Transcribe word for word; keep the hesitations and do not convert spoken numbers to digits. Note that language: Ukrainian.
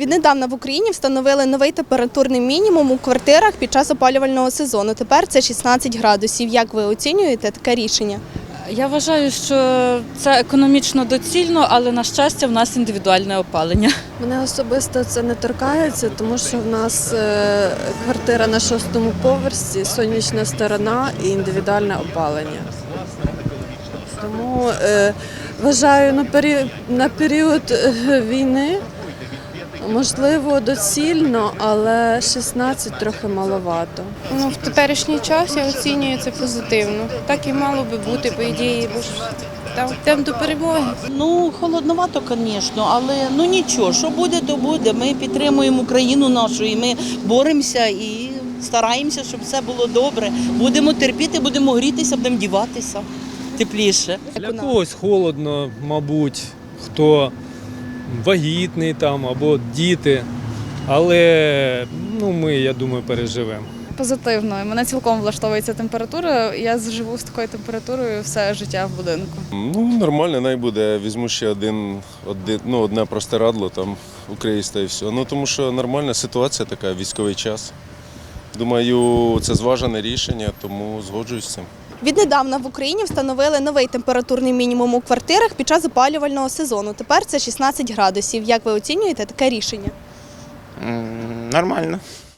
Віднедавна в Україні встановили новий температурний мінімум у квартирах під час опалювального сезону. Тепер це шістнадцять градусів. Як ви оцінюєте таке рішення? Я вважаю, що це економічно доцільно, але, на щастя, в нас індивідуальне опалення. Мене особисто це не торкається, тому що в нас е, квартира на шостому поверсі, сонячна сторона і індивідуальне опалення. Тому е, вважаю, на період, на період е, війни можливо доцільно, але шістнадцять трохи маловато. Ну, в теперішній час я оцінюю це позитивно. Так і мало би бути, по ідеї, бо ж там йдемо до перемоги. Ну, холодновато, звісно, але ну нічого, що буде, то буде. Ми підтримуємо Україну нашу і ми боремося і стараємося, щоб все було добре. Будемо терпіти, будемо грітися, будемо діватися тепліше. Для когось холодно, мабуть, хто вагітний там або діти, але ну, ми, я думаю, переживемо. Позитивно. Мене цілком влаштовує ця температура. Я живу з такою температурою все життя в будинку. Ну, нормально, най буде. Візьму ще один, один, ну, одне простирадло, там укриюсь та і все. Ну, тому що нормальна ситуація така, військовий час. Думаю, це зважене рішення, тому згоджуюсь з цим. Віднедавна в Україні встановили новий температурний мінімум у квартирах під час опалювального сезону. Тепер це шістнадцять градусів. Як ви оцінюєте таке рішення? Нормально.